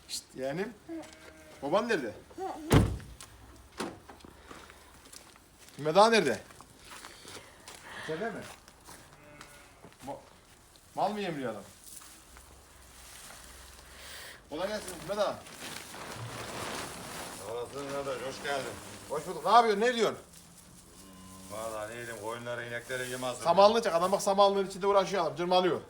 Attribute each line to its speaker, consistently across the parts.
Speaker 1: Şşt yeğenim. Baban nerede? Meda nerede? İçeride mi? Mal mı yemliyor adam? Kolay gelsin Meda.
Speaker 2: Olasın kardeş, hoş geldin.
Speaker 1: Hoş bulduk. Ne yapıyorsun? Ne diyorsun?
Speaker 2: Vallahi neydim, koyunları, inekleri yem hazır.
Speaker 1: Samanlığı çek. Adam bak samanlığın içinde uğraşıyor adam. Cırmalıyor.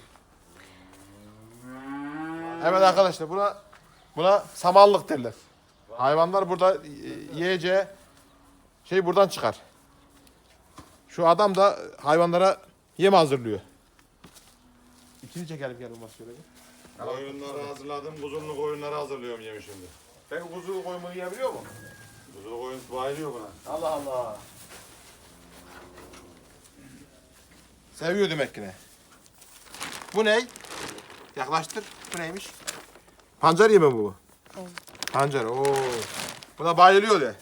Speaker 1: Evet arkadaşlar buna samanlık derler. Hayvanlar burada yiyeceği şey buradan çıkar. Şu adam da hayvanlara yem hazırlıyor. İçini çekelim gel olmaz şöyle bir.
Speaker 2: Koyunları hazırladım, kuzunlu koyunları hazırlıyorum yemi şimdi.
Speaker 1: Peki kuzu koyunu yiyebiliyor mu?
Speaker 2: Kuzulu koyun bayılıyor buna.
Speaker 1: Allah Allah. Seviyor demek ki ne? Bu ne? Yaklaştır. Bu neymiş? Pancar yemi bu.
Speaker 3: Evet.
Speaker 1: Pancar. Oo. Buna bayılıyor de.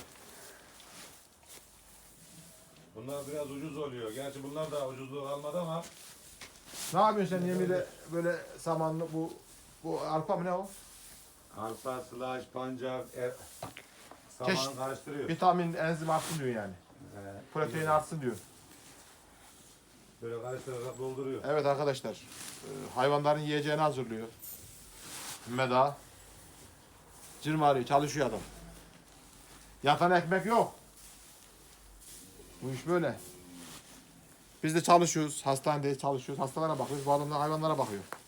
Speaker 2: Bunlar biraz ucuz oluyor. Gerçi bunlar da ucuzluğu almadı ama.
Speaker 1: Ne yapıyorsun sen yemiyle böyle samanlı bu arpa mı ne o?
Speaker 2: Arpa, sılaç, pancar, saman
Speaker 1: Çeşit.
Speaker 2: karıştırıyor.
Speaker 1: Vitamin, enzim artsın diyor yani. Protein artsın diyor.
Speaker 2: Böyle karıştırarak dolduruyor.
Speaker 1: Evet arkadaşlar. Hayvanların yiyeceğini hazırlıyor. Meda. Cırmalıyor, çalışıyor adam. Yatan ekmek yok. Bu iş böyle. Biz de çalışıyoruz. Hastanedeyiz, çalışıyoruz. Hastalara bakıyoruz. Bu adam da hayvanlara bakıyor.